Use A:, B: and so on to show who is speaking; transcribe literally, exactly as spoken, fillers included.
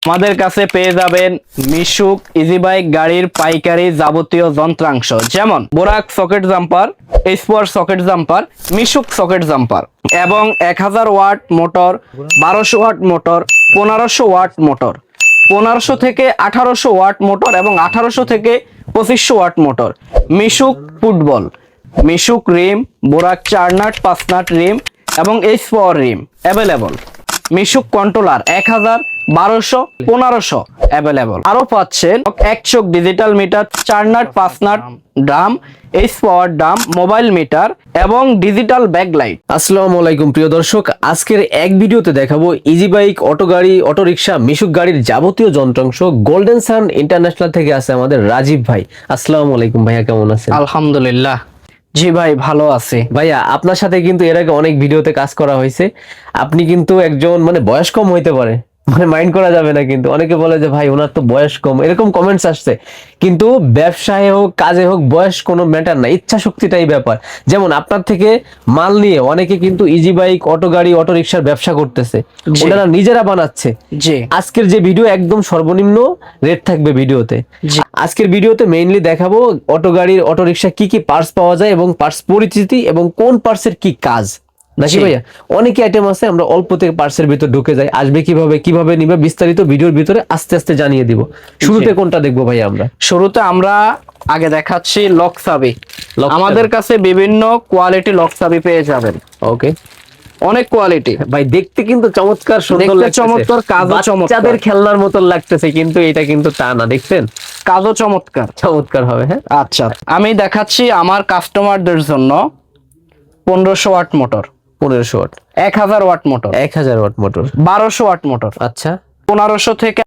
A: আমাদের কাছে পেয়ে যাবেন মিশুক ইজি বাইক গাড়ির পাইকারি যাবতীয় যন্ত্রাংশ, যেমন Borak socket jumper, Espoir socket jumper, Mishuk socket jumper এবং এক হাজার ওয়াট মোটর, বারোশো ওয়াট মোটর, পনেরোশো ওয়াট মোটর, পনেরোশো থেকে আঠারোশো ওয়াট মোটর এবং আঠারোশো থেকে পঁচিশশো watt motor, Mishuk football, Mishuk rim, Borak চার নাট পাঁচ নাট রিম এবং H power rim available, Mishuk controller এক হাজার, বারোশো, পনেরোশো অ্যাভেলেবল। আরো পাচ্ছেন একশো ডিজিটাল মিটার, চার নাট পাঁচ nut drum, H power drum, mobile meter এবং ডিজিটাল ব্যাকলাইট।
B: আসসালামু আলাইকুম প্রিয় দর্শক, আজকের এক ভিডিওতে দেখাবো ইজি বাইক, অটো গাড়ি, অটো রিক্সা, মিশুক গাড়ির যাবতীয় যন্ত্রাংশ। গোল্ডেন সান ইন্টারন্যাশনাল থেকে আছে আমাদের রাজীব ভাই। আসসালামু আলাইকুম ভাইয়া, কেমন আছেন?
A: আলহামদুলিল্লাহ, জি ভাই ভালো আছি।
B: ভাইয়া আপনার সাথে কিন্তু এর আগে অনেক ভিডিওতে কাজ করা হয়েছে। আপনি কিন্তু একজন মানে বয়স কম হইতে পারে, মানে মাইন্ড করা যাবে না, কিন্তু অনেকে বলে যে ভাই ওনার তো বয়স কম, এরকম কমেন্টস আসছে। কিন্তু ব্যবসায় হোক কাজে হোক বয়স কোনো ম্যাটার না, ইচ্ছা শক্তিটাই ব্যাপার। যেমন আপনার থেকে মাল নিয়ে অনেকে কিন্তু ইজি বাইক, অটো গাড়ি, অটো রিক্সার ব্যবসা করতেছে,
A: জি।
B: ওনারা নিজেরা বানাচ্ছে।
A: জি
B: আজকের যে ভিডিও একদম সর্বনিম্ন রেট থাকবে ভিডিওতে।
A: জি
B: আজকের ভিডিওতে মেইনলি দেখাবো অটো গাড়ির, অটো রিক্সা কি কি পার্টস পাওয়া যায় এবং পার্টস পরিচিতি এবং কোন পার্টসের কি কাজ, নাকি
A: জি।
B: ভাইয়া? অনেক আইটেম আছে, আমরা অল্প থেকে পার্টসের ভিতর ঢুকে যাই। আসবে কিভাবে, কিভাবে নিবে, বিস্তারিত ভিডিওর ভিতরে আস্তে আস্তে জানিয়ে দিব। শুরুতে কোনটা দেখবো ভাইয়া আমরা?
A: শুরুতে আমরা আগে দেখাচ্ছি লক চাবি।
B: লক
A: আমাদের কাছে বিভিন্ন কোয়ালিটি লক চাবি পেয়ে যাবেন,
B: ওকে
A: অনেক কোয়ালিটি।
B: ভাই, দেখতে কিন্তু চমৎকার সুন্দর
A: দেখতে
B: লাগতেছে,
A: চমৎকার, কাজও চমৎকার।
B: বাচ্চাদের খেলনার মতন লাগতেছে, কিন্তু এটা কিন্তু তা না, দেখছেন?
A: কাজও চমৎকার।
B: চমৎকার হবে। হ্যাঁ,
A: আচ্ছা, আমি দেখাচ্ছি আমার কাস্টমারদের জন্য পনেরোশো ওয়াট মোটর,
B: পনেরোশো ওয়াট,
A: এক হাজার ওয়াট মোটর,
B: এক হাজার ওয়াট মোটর,
A: বারোশো ওয়াট মোটর,
B: আচ্ছা,
A: পনেরোশো থেকে